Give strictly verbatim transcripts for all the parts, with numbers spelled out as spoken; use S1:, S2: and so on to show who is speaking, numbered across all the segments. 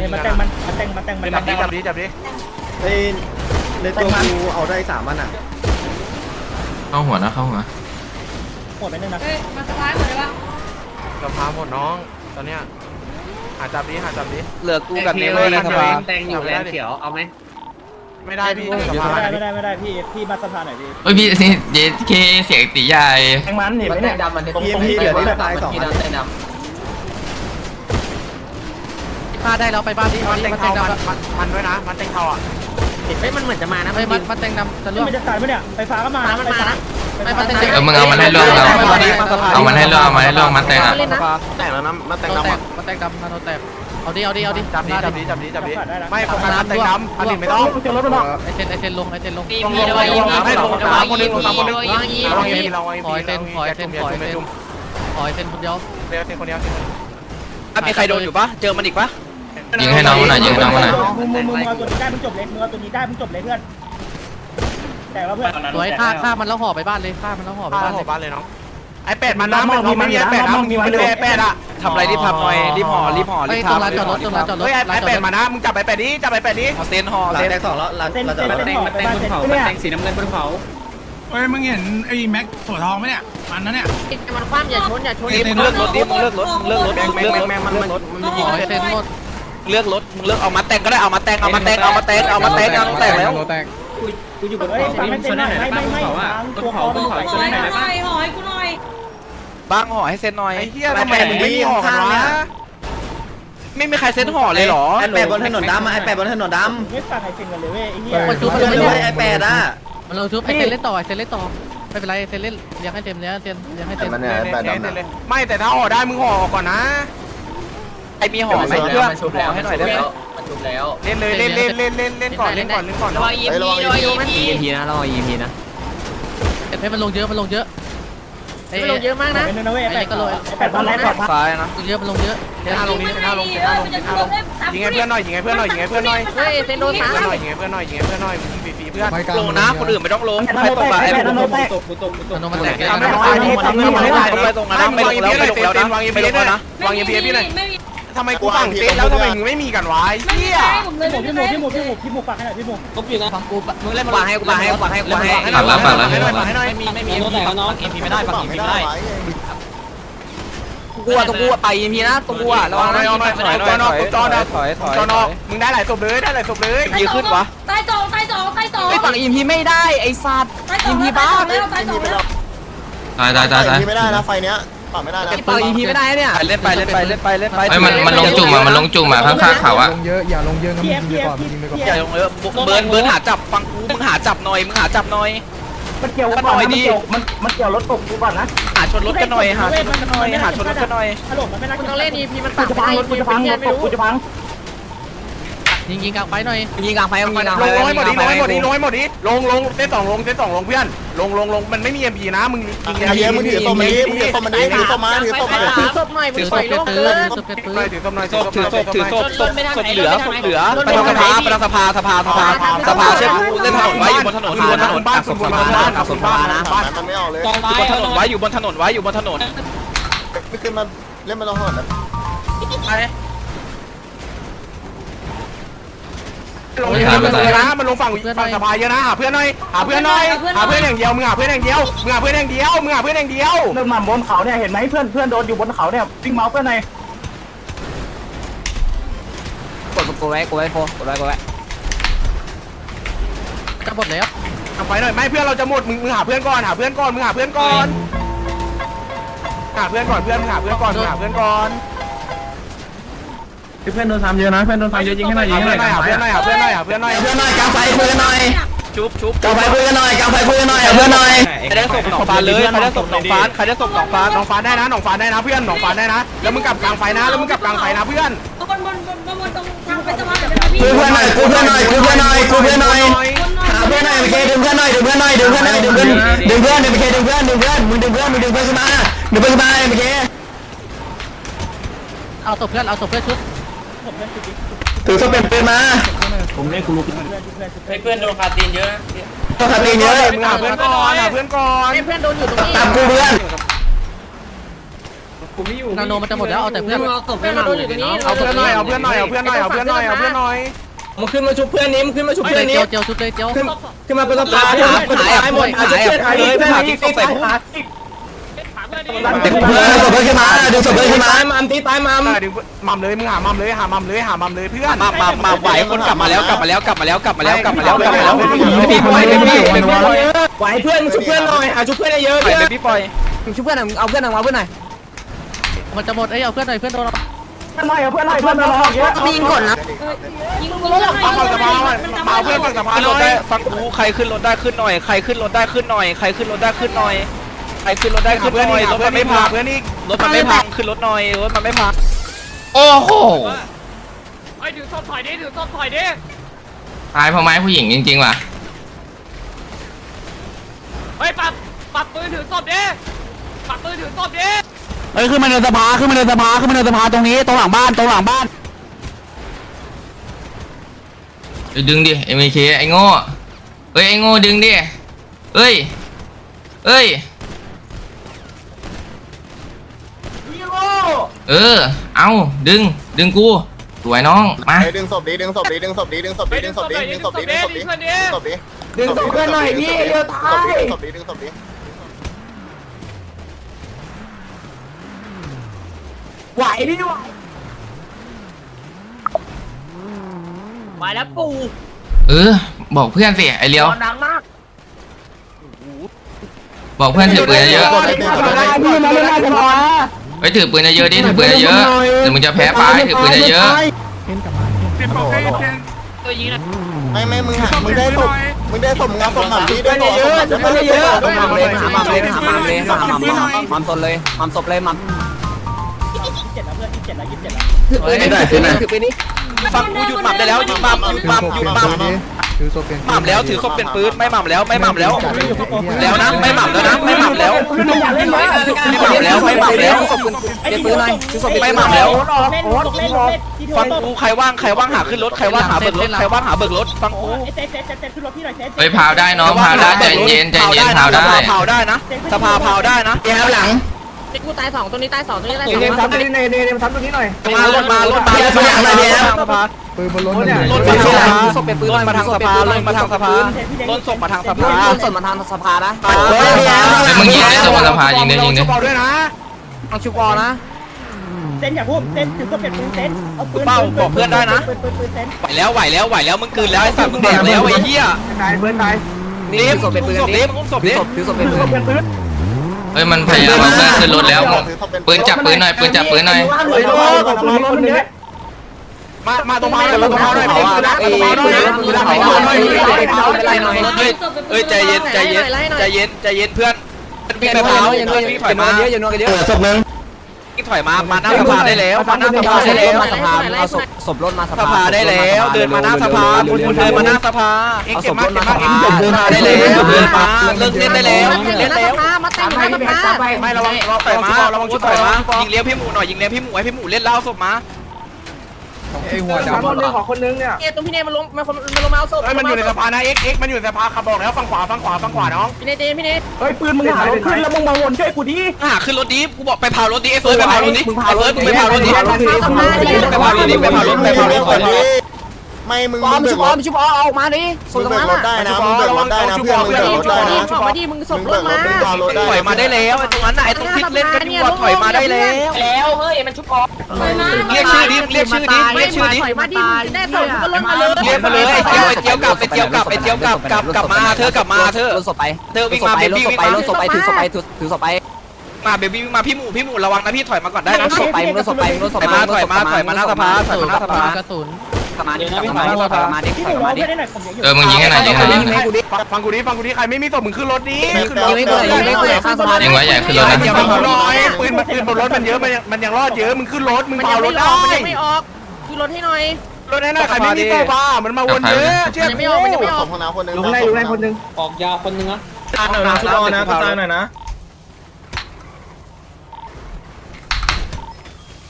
S1: มาแต่งมันมาแต่งมาแต่งมาแต่ง
S2: จับดิจับดิจับดิ
S3: เฮ้ยในตัวกูเอาได้สามอันอ่ะ
S4: เข้าหัวนะเข้าหัว
S1: หมดไปนึงนะ
S5: เฮ้ยมาสะพายหมดเลยวะ
S2: กระพาหมดน้องตอนเนี้ยหาจับดิหาจับดิ
S6: เหลือกูกับเนเวอร์ในสภา
S7: แตงอยู่แลนเขียวเอาไหม
S2: ไม่ได้พี่
S1: ไม่ได้ไม่ได้ไม่ได้พี่พี่มาสะพานหน่อยพี่
S4: เฮ้ยพี่นี่เจเคเสียงตีใหญ่
S1: แทงมันเห็นไหมเนี่ย
S7: ดำมัน
S3: พี่พี่เหลือที่ตายสอง
S7: ที่
S3: อัน
S7: ดำแตงด
S6: พาได้แล้วไปบ้านที่
S2: มันเต็ง
S6: มัน
S2: เทา
S6: เต็ง
S2: มัน
S6: ดำ
S2: มันมันด้วยนะมันเต็งเทาอ่ะ
S7: ำเฮ้ยมันเหมือนจะมานะ
S6: ไม่มันมันเต็งดำจะล่วง
S1: มันจะตายไหมเนี่ยไฟฟ้าก็มาไฟฟ้า
S6: ไม่มันเต็ง
S4: เออมึงเอามันให้ล่วงเราเอามันให้ล่วงเอามันให้ล่วงมาแต่งอ่ะ
S3: แต่แล้วนะมาแต่ง
S6: โดน
S3: น้ำ
S6: แตกมันเต็งดำมันโดนแตกเอาดิเอาดิเอาดิ
S2: จับดิจับดิจับดิจับดิไม่โฟกัสเต็งดำอันนี้ไม่ต้อง
S1: จะลดมันออก
S6: ไอเซนไอเซนลงไอเซนลง
S2: ลงลงลงไม่ลงตามคนนึงตามคนนึงเราไอ้พี่เราไอ้พี่เราไอ้
S6: ขอไอ
S2: พี่
S6: เซนขอไอเซนขอไอเซนขอไอเซนคนเดียว
S2: เดี๋ยวเซนคนเดียวเซนคนเดียว
S6: มีใครโดนอยู่ปะเจอมันอีกปะ
S4: ยิงให้น้องมันหน่อยยิงให้น้องมันหน่อย
S1: มึงมึงมึงเอาตัวนี้ได้มึงจบเลยมึงเอาตัวนี้ได้มึงจบเลยเพื่อนแต่ว่าเพื่อน
S6: สวยฆ่าฆ่ามันแล้วห่อไปบ้านเลยฆ่ามันแล้วห่อไป
S2: บ้าน
S6: บ้าน
S2: เล
S6: เลย ย
S2: บ้านเลยน้องไอ้เป็ดมันน้ำมันไม่มีไอ้เป็ดนะมึงไม่ได้ไอ้เป็ดอ่ะ
S6: ทำอะไรรีบทำหน่อยรีบห่อรีบห่อรีบทำตรงร้านจอดรถตรงร้านจอดรถ
S2: เฮ้ยไอ้เป็ดมานะมึงจับไอ้เป็ดนี้จับไอ้เป็ดนี้
S6: ห่อเซนห่อ
S3: หลัง
S6: เซน
S3: แตกสองแล้วหลัง
S1: เส้น
S3: เราจะ
S1: เส้น
S3: มา
S1: เส้น
S3: แต่ง
S1: หอไปบ้านเส้นเนี่ย
S7: แตงสีน้ำเงินบนเขา
S8: เฮ้ยมึงเห็นไอ้แม็กถั่วทองไหมเนี่ยมันนะเนี่ย
S5: มันคว่ำอย่าชนอย่าชน
S6: มึงเลือกรถดิมึงเลือกรถมึงเลือกรถมึงเลือกรถ
S2: แม่งมันมันมันยิง
S6: ห่อเซนหมดเลือกรถมึงเลือกเอามาแต่งก็ได้เอามาแต่งเอามาแต่งเอามาแต่งเอามาแต่งเอามาแต่งแล้ว
S7: กูอยู่บน
S1: เฮ้ย
S7: เขา
S1: ฟังให้เส้นหน่อยไม่ไม่ไม่ทางตัวคอตัว
S5: หอยหน่อยหอยกูหน่อย
S6: บ้างห่อให้เซนหน่อย
S2: ไอ้เหี้ยทำไมมึงไม่ออกกันวะ
S6: ไม่มีใครเซนห่อเลยเหรอ
S3: ไอ้แปดบนถนนดำอ่ะไอ้แปดบนถนนดำ
S1: ไม่ฟังไอ้เซนกันเลยเว้ยไอ้เหี้ย
S6: มันจุ๊บ
S3: เพื่อนเลยไอ้แปดอ่ะ
S6: มันลงชุบไอเซนเล่นต่อไอเซนเล่นต่อไม่เป็นไรเซนเล่นเลี้ยงให้เต็มเลี้ยงให้เต็มเลี้ยงให้เต็ม
S2: ไม่แต่ถ้าออกได้มึงห่อก่อนนะ
S6: ไอมีห่อไหมเพื่อนห่อให้หน่อยได้ไหม
S7: มันจุบแล้ว
S2: เล่นเลยเล่นเล่นเล่นเล่นเล่นก่อนเล่นก่อนเล่นก่อน
S7: ระวัง อีพีระวังอีพีอีพีนะระวังอีพีนะ
S6: เอ็ดเพมันลงเยอะมันลงเยอะ
S5: มันลงเยอะมากนะ
S1: เป็นนะเว้ยไอ้แปดไอ้แปดบ้านไรสอด
S6: ซ้ายนะลงเยอะมันลงเยอะ
S2: เซนห้าลงนี้เซนห้าลงเซนห้าลงเซนห้าลงยิงให้เพื่อนหน่อยยิงให้เพื่อนหน่อยยิงให้เพื่อนหน่อย
S5: เฮ้ยเซนโดน
S2: ยิง
S5: สา
S2: ให้เพื่อนหน่อยยิงให้เพื่อนหน่อยยิงให้เพื่อนหน่อยยิงฟรีเพื่อน
S6: ลงนะคนอื่นไม่ต้องลง
S1: ไอ้
S6: ใครตกอะไอ้
S1: แปด
S6: พวก
S1: โดนแตก
S7: ตกกูตกกูตก
S6: มันลงมาแตก
S2: ทำให้ตายที่ทำให้ตาย
S6: ไปตรงนั้นไม่ลงแล้วไม่ลงแล้วนะ
S2: วางยิง
S6: ไม่
S2: พี
S6: ลงแล้วนะ
S2: วางยิงพีพี่หน่อย
S5: ไม่มี
S2: ทำไมกูสั่งเซตแล้วทำไมมึงไม่มีกันวะไอ้
S5: ไม่มี
S2: เหี้ย
S5: ผมเลย
S1: พี่หมูพี่หมูพี่หมูพี่หมูพี่หมูปากให้หน่อยพี่หมู
S7: ตบอยู่นะฟังกูมึงเล่น
S6: ปาให้กูปาให้กูปาให้กูปาให้
S4: ปักแล้วปักแล้ว
S2: ให้หน่อยให้หน่อย
S7: ไม่มีไม่มีแต่น้องเอ็มพีไม่ได้ปักเอ็มพีไม่ได้
S6: กูอะตรงกูอะไปอีพีนะตรงกูอะระวัง
S2: หน่อยหน่อยหน่อยหน่อยหน่อยจอดจอดมึงได้หลายศพเลยได้หลายศพเลย
S6: ยีขึ้นวะ
S5: ตายสองตายสองตายสอง
S6: ไอ้ปักอีพีไม่ได้ไอ้สัตว์
S5: ตายสอ
S6: อี
S5: ง
S6: พีบ้า
S5: แล้วตายสองแล้ว
S4: ตายตายตายตาย
S3: ไม่ได้นะไฟเนี้ยปรับไม่ได้นะ
S6: ไอ้ปักอีพีไม่ได้เนี่ยเล่นไปเล่นไปเล่นไปเล่นไป
S4: เฮ้ยมันมันลงจุ่มอ่ะมันลงจุ่มอ่ะข้างๆเขาอ่ะ
S1: เพียเพียเพีย
S6: อย่าลงเยอะเบิร์นเบิร์นหาจับฟังกูมึงหาจับหน่อยมึงหาจับหน่อย
S1: มันเกี่ยวก่อนมันเกี่ยวมันมันเกี่ยวรถตกกูก่อนนะ
S6: หาชนรถกันหน่อยหาชนรถกันหน่อยหาชนรถกันหน่อย
S1: ฮัลโหลมันไม่น่า
S5: คุณต้องเล่นอีพีมัน
S1: กูจะพังรถกูจะพังรถตกกูจะพัง
S6: ยิงยิงกลางไฟหน่อยยิงกลางไฟยิงกลาง
S2: ล
S6: ไฟ
S2: งลงให้หมดดิลงให้หมดดิลงให้หมดดิลงลงเซตสองลงเซตสองลงเพื่อนลงลงลงมันไม่มีเอ็มพีนะมึงยิง
S3: ไอ้เหี้ยมึงถือศพมาดิมึงถือศพมาดิถือศพมาถือศพมา
S5: ถือศพหน่อยมึ
S6: ถื
S5: ง
S6: อ
S5: ป
S6: ศ
S5: ล่อ
S6: พ
S5: ย
S6: เก็บ
S5: โล่ง
S6: ปื
S5: เกิ
S6: น
S5: น
S2: ถือศพถือศพหน่อย
S6: ศพถือศพถือศพศพศพเหลือศพเหลือ
S5: รถ
S6: ไป
S5: ไป
S6: ทาง
S5: ทาง
S6: สภาไปทางสภาสภาสภาสภาเช็คเล่นถนนไว้อยู่บนถนนอยู่บนถนน
S2: บ้านสุดบนบ้านสุดบ้านนะบ้าน
S3: มันไม่ออกเลย
S6: อยู่บนถนนไว้อยู่บนถนนไว้อยู่บนถนน
S3: ไม่ขึ้นมาเล่นมาลองถนนนะ
S2: ลงเยอะเลยนะมันลงฝั่งฝั่งสะพายเยอะนะหาเพื่อนหน่อยหาเพื่อนหน่อยหาเพื่อนอย่างเดียวมึงหาเพื่อนอย่างเดียวมึงหาเพื่อนอย่างเดียวมึงหาเพื่อนอย่างเดียว
S1: เรื่องมันบนเขาเนี่ยเห็นไหมเพื่อนเพื่อนโดนอยู่บนเขาเนี่ยวิ่งเมาส์เพื่อนหน่อย
S6: กดกดไว้กดไว้โฟกดไว้กดไว้จะหมดแล้ว
S2: ทำไฟหน่อยไม่เพื่อนเราจะหมดมึงมึงหาเพื่อนก่อนหาเพื่อนก่อนมึงหาเพื่อนก่อนหาเพื่อนก่อนเพื่อนมึงหาเพื่อนก่อนมึงหาเพื่อนก่อน
S8: เพื่อนโดนทำเยอะนะเพื่อนโดนทำเยอะยิงให้หน่อยยิง
S2: หา
S8: ให้ห
S2: เพื่
S8: น่
S2: อ
S8: อน ย
S2: หน่อยหาเพื่อนหน่อยหาเพื่อนหน่อยหาเพื่อนหน่อย
S3: เพื่อนหน่อยกางไฟคุยกันหน่อย
S6: ชุบชุบ
S3: กางไฟคุยกันหน่อยกางไฟคุยกันหน่อยเพื่อนหน่อย
S6: ใครได้ส่งหนองฟ้าเลยใครได้ส่งหนองฟ้าใครได้ส่งหนองฟ้า
S2: หนองฟ้าได้นะหนองฟ้าได้นะเพื่อนหนองฟ้าได้นะแล้วมึงกลับกลางไฟนะแล้วมึงกลับกลางไฟนะเพื่อน
S5: บนบนบนบนบนตรงทางไปสะพานเป็นพี่
S3: กูเพื่อนหน่อยกูเพื่อนหน่อยกูเพื่อนหน่อยกูเพื่อนหน่อยหาเพื่อนหน่อยโอเคดึงเพื่อนหน่อยดึงเพื่อนหน่อยดึงเพื่อนหน่อยดึงเพื่อนดึงเพื่อนดึงเพื่อนดึงเพื่อนดึงเพื่อนมึงดึงเพื่อนมึงดึงเพื่อนขึ้นมาดึงเพื่อนขึ้นมาโอเค
S6: เอาศพเพื่อนเอาศพเพื่อนชุด
S1: ผมเล่นจุดนี้
S3: ถือศพเป็นปืนมา
S1: ผมเล่นกูรู้เพื่อนเพื่อนเพื่อน
S7: เพื่อนโดนคาตีนเยอะ
S3: ต้องขับตีเยอะ
S2: มึงหาเพื่อนก่อนหาเพื่อนก่อน
S5: เพื่อนโดนอยู่ตรงนี้
S3: ตามกูเพื่อน
S7: นาโนมันจะหมดแล้วเอาแต่เพื่อนเอาศพ
S5: เพื่อนเราโดนอยู่ตรงนี้
S2: เอาเพื่อนหน่อยเอาเพื่อนหน่อยเอาเพื่อนหน่อยเอาเพื่อนหน่อยเอาเพื่อนหน่อย
S3: มึงขึ้นมาชุบเพื่อนนี้มึงขึ้นมาชุบเพื่อนนี้
S7: เจียวเจียวชุดเลยเจียว
S3: ขึ้นมาเป็นสภาหาหายหมดหาชุบเพื่อนหายเลยหาที่ใส่เพื่อนศพเพื่อนขึ้นมาดึงศพเพื่อนขึ้นมามัมตีตายมัม
S2: ดึงมัมเลยมึงหามัมเลยหามัมเลยหามัมเลยเพื่อน
S6: มามามาไหวคนกลับมาแล้วกลับมาแล้วกลับมาแล้วกลับมาแล้วกลับมาแล้วกลับมาแล้วพี่ปล่อยพี่ปล่อยพี่ปล่อย
S3: ไหวเพื่อนชุบเพื่อนหน่อยหาชุบเพื่อนเยอะ
S6: ปล่อยเลยพี่ปล่อย
S7: ชุบเพื่อนเอาเพื่อนเอาเพื่อนหน่อยมันจะหมดเอ้ยเอาเพื่อนหน่อยเพื่อนโดนเรา
S5: ยิงก่อนนะยิงรถเรา
S2: ฟังฝั่งสภามาเพื่อนฝั่งสภา
S6: ขึ้น
S2: ห
S6: ร
S2: น่
S6: ถ
S2: อย
S6: ได้ฟังกูใครขึ้นรถได้ขึ้นหน่อยใครขึ้นรถได้ขึ้นหน่อยใครขึ้นรถได้ขึ้นหน่อยใครขึ้นรถได้ขึ้นหน่อยรถมันไม่พัง
S2: เพื่อนอีก
S6: รถมันไม่พังขึ้นรถหน่อยรถมันไม่พัง
S4: โอ้โห
S7: ไอ้ถือศพถอยดิถือศพถอยดิ
S4: ตายเพราะไม้ผู้หญิงจริงๆว่ะ
S7: เฮ้ยปัดปัดปืนถือศพดิปัดปืนถือศพดิ
S3: เฮ้ยขึ้นมาในสภาขึ้นมาในสภาขึ้นมาในสภาตรงนี้ตรงหลังบ้านตรงหลังบ้าน
S4: ดึงดิเอ็มเคไอ้โง่เฮ้ยไอ้โง่ดึงดิเฮ้ยเฮ้ยเออเอาดึงดึงกูสวยน้องมา
S9: ดึงศพดีดึงศพดีดึงศพดีดึงศพดีดึงศพดีดึงศพดีดึงศพดีดึงศพดีดึงศพดี
S3: ดึงศพเพื่อนหน่อยพี่เร็วตาย
S9: ดึงศพดีดึงศพดี
S3: ไหวดิไหว
S7: มาแล้วปู่
S4: เออบอกเพื่อนสิไอเลียว
S7: ดังมาก
S4: บอกเพื่อนถือปืนเยอะ
S3: พี่มาเล่นหน้าสภา
S4: ๆไปถือปืนเยอะๆดิถือปืนเยอะๆเดี๋ยวมึงจะแพ้ไปถือปืนเยอะ
S8: เจ็บปกเจ็บเจ็บ
S7: ตัวยิงนะ
S9: ไม่ไม่มึงหามึงได้ศพมึงได้ศพงานศพหมันดีด้วย
S3: เยอะจะไม่เยอะ
S8: มัมเลยมัมเลยมัมเลยมัมมัม
S7: มัมศพเลยมัมศพเลยมัม
S1: ยี่สิบเจ็ดแล้วเพื่อนยี่สิบเจ็ดแล้วยี่สิบเจ็ดแล้ว
S3: ไม่ได้สินะ
S7: ถือปืนนี้
S6: ฟังกูหยุดหม่ำได้แล้วหยุดหม่ำหยุดหม่ำหยุดหม่ำหม่ำแล้วถือเขาเป็นปืนไม่หม่ำแล้วไม่หม่ำแล้วแล้วนะไม่หม่ำแล้วนะไม่หม่ำแล้วไม่หม่ำแล้วไม่หม่ำแล้ว
S7: เป็นปืนหน่อยถือศพ
S6: ไม่หม่ำแล้ว
S1: เล่นลูกเล่นลูกเล่นที่
S6: ฟังกูใครว่างใครว่างหาขึ้นรถใครว่างหาเบิกรถใครว่างหาเบิกรถฟังกู
S1: ไอ้เซฟเซฟเซฟเซฟขึ้นรถพี่หน่อยเซฟ
S4: ๆเฮ้ยพาวได้น้องพาวได้ใจเย็นใจเย็นพาวได้
S6: เผาได้นะสภาเผาได้นะ
S3: แย่หลัง
S5: กูตายสองตัวนี้ตายสองตัวนี้ตายส
S3: เน
S5: อง
S3: มทำตัวนี้เนมทำตัวนี้หน่อย
S6: มารถมารถมาสภา
S3: ปืนบนรถ
S6: รถมาทางสภาศพเป็นปืนมาทางสภารถมาทางสภารถศพมาทางสภา
S7: ศพมาทางสภานะ
S4: เฮ้ยมึงยิงได้ตัวบนสะพานยิงได้ยิงได้
S2: ด้วยนะ
S7: เอาชุบอนะ
S1: เซนอย่าพูดเซนถือก็เป็นปืนเซนเอาปืนปืนปืนปืนเซน
S6: ไหวแล้วไหวแล้วไหวแล้วมึงกืนแล้วไอ้สัตว์มึงแดกแล้วไอ้เหี้ย
S3: ตายเพื่อนตาย
S6: นี่ศพเป็นปืนนี่มึงศพนี่
S7: ถือศพเป็นปืน
S4: เฮ้ยมันพยายามเอาเพื่อนขึ้นรถแล้วปืนจับปืนหน่อยปืนจับปืนหน่อย
S2: มามาตรงมาเลยมาตรงมาหน่อยไม่ได้ปืนนะตรงมาหน่อยปืนนะไม่ได้หน่อย
S6: เฮ้ยเฮ้ยใจเย็นใจเย็นใจเย็นใจเย็นเพื่อนวิ่งไปเผาวิ่งถอยมา
S7: เยอะอย่านอนกันเยอะ
S3: เออศพนึง
S6: วิ่งถอยมามาหน้าสภาได้แล้วมาหน้าสภาได้แล้ว
S7: มาสภาเอาศพศพรถมาส
S6: ส
S7: ภา
S6: ภาได้แล้วเดินมาหน้าสภาเดินมาหน้าสภา
S2: เอ็กเก็บมากเก็บมากเอ็ก
S6: เดินมาได้แล้วเดินมาเลิกเล่นได้แล้วเล่นแล้ว
S5: มาแต่งหน้าสภา
S2: ไม่ระวังระวัง
S6: ถอยมา
S2: ระวังชุด
S6: ถ
S2: ถ
S6: อ
S2: อย ย
S6: มา
S2: มา
S6: ยิงเลี้ยวพี่หมูหน่อยยิงเลี้ยวพี่หมูให้พี่หมูเล่นเล่าศพมา
S3: ไอ้หัวดำคนนึงขอคนนึงเนี่ย
S5: เอตรงพี่เนยมันลงมันมันลงมาเอาศพ
S2: เฮ้ยมันอยู่ในสภานะเอ็กเอ็กมันอยู่ในสภาขับบอกแล้วฝั่งขวาฝั่งขวาฝั่งขวาน้อง
S5: พี่เนยเจนพี่เนย
S3: เฮ้ยปืนมึงหารถขึ้นแล้วมึงมาวนช่วยกูดิ
S6: หาขึ้นรถดิกูบอกไปเผารถดิไอ้เฟิร์สไปเผารถดิไอ้เฟิร์สมึงไปเผารถดิไปเผารถดิไปเผารถไปเผารถก่อน
S9: ไม่มึง
S7: ปอ
S9: มึ
S7: ม
S9: งเบิ
S7: ชุ
S9: ก
S7: บ
S9: ร
S7: อ
S9: ถ
S7: มชุบอออกมาดิ
S9: มึงเบิกรถได้นะมึงเบิกรถได้นะเพื่อนมึงเบิกรถได้นะ
S5: ออกมาดิมึงศพ
S9: มึง
S5: ร
S9: เบิ
S5: ถ
S9: กร
S5: มา
S9: ถมึงเบิกรถได้
S6: ถอยมาได้แล้วไอ้ตรงนั้นน่ะไอ้ตรงที่เล่นกันอยู่ถอยมาได้แล้ว
S5: แล้วเฮ้ยมันชุบออก
S6: เรียกชื่อดิเรียกชื่อดิเรียกชื่อดิ
S5: ถอยมาดิมึงได้ศพก็ลงมาเลย
S6: เรียกมาเลยไอ้เจียวไอ้เจียวกลับไอ้เจียวกลับไอ้เจียวกลับกลับกลับมาเธอกลับมาเธอ
S7: รถศพไป
S6: เธอวิ่งมาเบบี้วิ่ง
S7: ไป
S6: มาร
S7: ถศพไปถือศพไปถือถือศพไป
S6: มาเบบี้วิ่งมาพี่หมูพี่หมูระวังนะพี่ถอยมาก่อนได้
S7: ร
S6: นะ
S7: ถศพไปรถศพไปรถศพ
S6: ถอยมาถอยมาถอยมาหน้าสภาถอยมาหน้าสภาก
S7: ระสุนกลับมาดิกลับมาดิกลับมาดิ
S1: พี่
S7: ก
S1: ห
S7: ลั
S1: มู
S7: บ
S1: ร้อ
S7: มาง ดิ
S1: ไม่ได้หน่อยผมเยอะอยู่
S4: เออมึงยิงให้หน่อยยิงให้หน่อยยิงให้หน่อย
S2: ฟังกูดิฟังกูดิใครไม่มีศพมึงขึ้นรถดิขึ้นรถ
S7: ยิงไม่เกิดยิงไม่เกิดข้างสะพาน
S4: ยิงไว้ใหญ่ขึ้นรถ
S2: ไอ้
S4: นะ
S2: เจียวมึงรอไอ้ปืนมันปืนบนรถมันเยอะมันมันยังรอดเยอะมึงขึ้นรถมึง
S5: มัน
S2: เผา
S5: ยัง
S2: ร
S5: ไม่
S2: ถ
S5: อ
S2: ได้
S5: อกมันยังไม่ออกคือรถให้หน่อย
S2: รถแน่ๆใครไม่มีศพอ่ะมันมาวนเยอะเชื่อ
S5: ยังไม่ออกมันยังไม่อ
S9: ศ
S5: อก
S9: พของน้าคนนึง
S3: ลงในลงในคนนึง
S7: ออกยาวคนนึงนะ
S6: ตาหน่อยนะชุดนะตาหน่อยนะ
S2: เ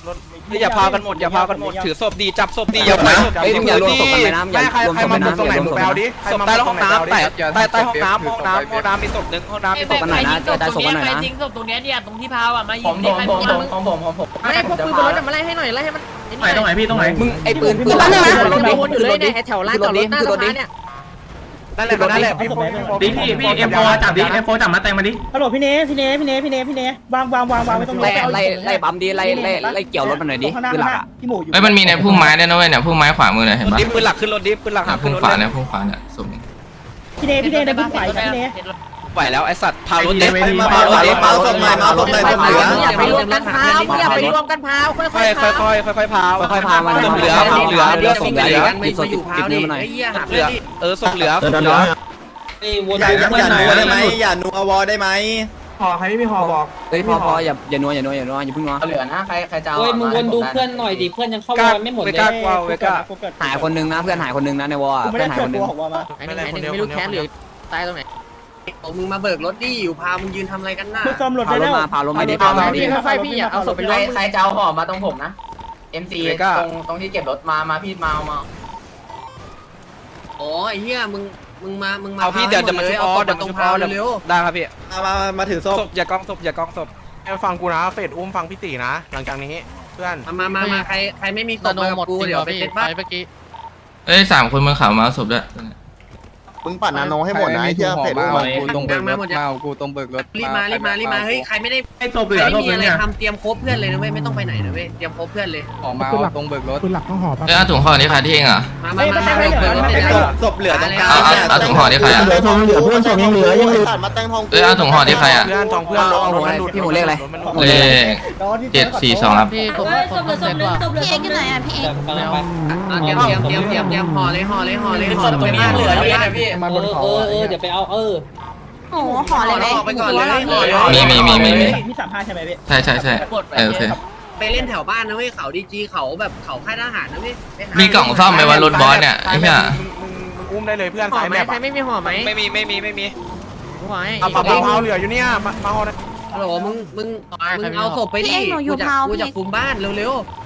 S6: อย่าพากันหมดอย่าพากันหมดถือศพดีจับศพดีอย่าไปศพ
S3: เฮ้ยมึงอย่ารวมศพกันไปนะอย่า
S2: ใคร
S3: รวม
S2: ใคร
S3: ศพ
S2: มา
S3: กัน
S2: ตรงไหน
S3: นะอย่ารวม
S2: มึ
S3: ศ
S2: ง
S3: พ
S2: ไป
S3: กัน
S2: เอา
S3: นะ
S2: ดิ
S6: ศพใต้ห้องน้ำใต้ใต้ใต้ห้องน้ำห้องน้ำห้องน้ำมีศพหนึ่งห้องน้ำมีศพ
S3: กันหน่อยนะกระจายศพกันหน่อยนะ
S5: จริงศพตรงเนี้ยเนี่ยตรงที่พาวอ่ะมายิ
S1: ผม
S5: ง
S1: ผมผมผมของผมของผม
S5: ไม่พวกปืนบนรถมาไล่ให้หน่อยไล่ให้มัน
S1: ไหนตรงไหนพี่ตรงไหน
S3: มึงไอ้ปืนปืน
S5: รถ
S3: ลั่น
S5: เนี่ย
S3: นะ
S5: รถวนอยู่เลยเนี่ยแถวลานจอดรถหน้าสภาเนี่ย
S2: นั่นแหละนั่นแหละพี่
S1: ดิพี่พี่เอ็มโฟจับดิเอ็มโฟจับมาแต่งมาดิฮัลโหลพี่เนพี่เนพี่เนพี่เนพี่เนวางวางวางวางไว้ตรง
S3: ไล่ไล่ไล่ปั๊มดิไล่ไล่ไล่เกี่ยวรถมันหน่อยดิ
S1: ข้างหน้า
S3: คือหลักอ่ะ
S1: พี่หมูอยู่
S4: เอ้ยมันมีในพุ่มไม้ด้วยนะเว้ยเนี่ยพุ่มไม้ขวามือเนี่ยเห็นปะ
S6: ดิปืนหลักขึ้นรถดิปืนหลักหาขึ้
S4: พุ่
S6: น
S4: ม
S6: รถ
S4: ขวาเนี่ยพุ่มขวาเนี่ยสม
S1: พี่เนพี่เนในพุ่มไฟพี่เน
S6: ไหวแล้วไอสัตว์พารถเด็ก
S3: มาเมาเด็กเมาศพหน่อยเมาศพหน่อยศพเหลือ
S5: อย่าไปรวมกันพาวอย่าไปรวมกันพาวค่
S6: ค่อย
S5: อยๆ
S6: ค่
S5: พา
S6: อยค่อยค่อยพาว
S3: ค่อยๆพามา
S6: ศพเหลือศพเหลือเหลือศพเหลือ
S3: ติดศพติดติดนิ้วมาหน่อย
S6: ศพเหลือเออศพเหลือศพเหลือ
S3: อย่าอย่านัวได้ไหมอย่านัววอได้ไหม
S2: ห่อใครไม่มีห่อบอก
S3: เฮ้ยพอพออย่าอย่านัวอย่านัวอย่านัวอย่าเพิ่งนัว
S1: เหลือนะใครใครจะ
S5: เฮ้ยมึงวนดูเพื่อนหน่อยดิเพื่อนยังเข้าว
S6: กล้า
S5: อลไม่หมด
S6: เว
S5: เลย
S6: ก้ากวาวเวก้า
S3: หายคนนึงนะเพื่อนหายคนนึงนะในวอล
S1: กูไม่
S3: เพื่
S1: ได้
S3: อนหาย
S1: เกิ
S3: ค
S1: ด
S3: นนึง
S1: ตัวของว่ามา
S5: ไอ้นี่ไม่รู้แค้นหรือตายตรงไหน
S7: มึงมาเบิกรถดิอยู่พามึงยืนทำอะไรกันน่ะ
S1: มึงซ่อมรถ
S3: พา
S1: ได้
S3: รถ
S1: แล้ว
S3: มาพารถมาดิ
S5: เอา
S3: พารถ
S5: ไป
S3: มาดิ
S5: พี่ค่อยๆพี่อย่าเอาศพไปรวม
S1: ใครจะเอาห่อมาตรงผมนะ
S5: เอ็มซี
S6: เวก้า
S5: ตรงตรงที่เก็บรถมามาพี่มาเอามา
S7: โอ้ยเฮียมึงมึงมามึงมา
S6: เอาพี่เดี๋ยวจะมาชุบออเดี๋ยว
S7: ต
S6: มา
S7: รง
S6: ชุบอ
S7: พา
S6: อ
S7: เร็ว
S6: ได้ครับพี่
S3: มามามาถือศพ
S6: ศพอย่ากองศพอย่ากองศพ
S2: ฟังกูนะเฟดอุ้มฟังพี่ตีนะ หลังจากนี้เพื่อน
S7: มามามามาใครใครไม่มีศพมากับกูเดี๋ยวไปเซ็ตบ้าน
S4: เอ้ยสามคนบนเขามาเอาศพด้วย
S9: มึงปัดนาโนให้หมดนะไอ้เหี้ยเฟดอุ้มมา
S7: กูตรงเบิกรถมากูตรงเบิกรถรีบมารีบมารีบมาเฮ้ยใครไม่ได้
S1: ไอ้ศพ
S7: ใค
S1: เหลื
S7: ร
S1: อ
S7: ไม่
S1: ศพ
S7: มี
S1: เหลือ
S7: อะไร
S1: เนี่ย
S7: ทำเตรียมครบเพื่อนเลยนะเว้ยไม่ต้องไปไหนนะเว้ยเตรียมครบเพื่อนเลยออกมาตรงเบิกรถ
S1: ปืนหลักต้องห่อป่ะ
S4: เอ้ยเอาถุงห่อนี่ใครที่เองเหรอ
S7: มามามาเบิกรถ
S3: ศพศพเหลือตรงกลาง
S4: เอาเอาเอาถุงห่อที่ใครอ่ะ
S3: เหลือทองเหลือเพื่อนศพยังเหลือยังเหลือ
S9: มาแต่งทอง
S4: เอ้ยเอาถุงห่อที่ใครอ่ะ
S2: เพื่อนทองเพื่อน
S3: เอาหัวอะไรพี่หมูเลขอะไร
S4: เลขเจ็ดสี่สองครับ
S7: พี่ผม
S10: ศพเหลือศพนึงศพเหลือศพนึงไหนอ่ะพี่เอก
S7: เตรียมเตรียมเตรียมเตรียมเตรียมห่อเลยห่อเลยห่อเลยห่อตรงนี้เหลือเลยนะพี่
S1: มาบนเขา
S5: เออเออเดี๋ยวไปเอาเออ
S10: โอ้โหห่อเลยไหม
S7: ห่อไปก่อนเลย
S4: มีมีมีมีมี
S1: มีสามห้าใช่ไหมพี่
S4: ใช่ใช่ใช่เออโอเค
S7: ไปเล่นแถวบ้านนะเว้ยเขาดีจีเขาแบบเขาค่ายทหารนะเว้ย
S4: มีกล่องซ่อมไหมวะรถบอสเนี่ยไอ้เหี้ย
S2: มึงมึงอุ้มได้เลยเพื่อน
S5: ห่อ
S2: สาย
S5: ไหม
S2: แมพ
S5: ใครไม่มีห่อไหม
S6: ไม่มีไม่มีไม่มี
S5: ห่อให้
S2: เอาเผาเผาเหลืออยู่เนี่ยมามาห่อนะ
S7: ฮัลโหลมึงมึงมึงเอาศพไปดิกูจะกูจะคุมบ้านเร็วๆ